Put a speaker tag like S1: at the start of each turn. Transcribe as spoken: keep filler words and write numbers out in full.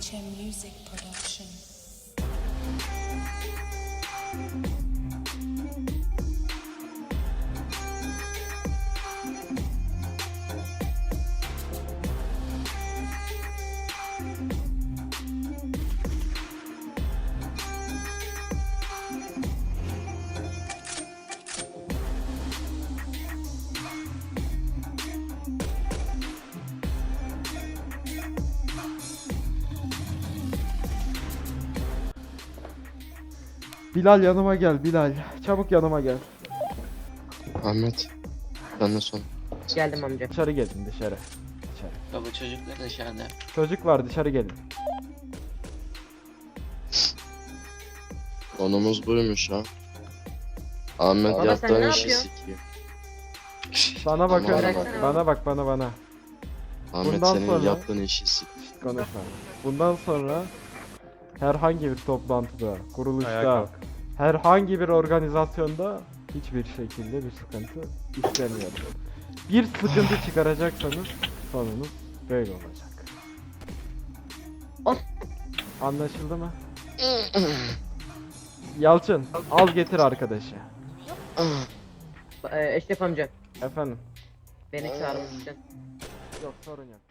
S1: H M Music Production.
S2: Bilal yanıma gel Bilal. Çabuk yanıma gel.
S3: Ahmet. Benden sonra.
S4: Geldim amca.
S2: Dışarı gelin dışarı. Dışarı.
S5: Baba çocuklar dışarıda.
S2: Çocuk var dışarı gelin.
S3: Konumuz buymuş ha. Ahmet
S4: Baba sen
S3: yaptığın
S4: ne
S3: işi
S4: yapıyorsun?
S3: sikiyor.
S2: Bana bakın.
S3: Bana bak.
S2: Bana bak bana bana.
S3: Ahmet
S2: Bundan
S3: senin
S2: sonra-
S3: yaptığın işi sikiyor.
S2: Konuşma. Bundan sonra herhangi bir toplantıda, kuruluşta, herhangi bir organizasyonda hiçbir şekilde bir sıkıntı istemiyorum. Bir sıkıntı çıkaracaksanız sonunuz böyle olacak.
S4: Of.
S2: Anlaşıldı mı? Yalçın, al getir arkadaşı.
S4: Ee, Eşref amca.
S2: Efendim.
S4: Beni çağırmışsın.
S2: Yok sorun yok.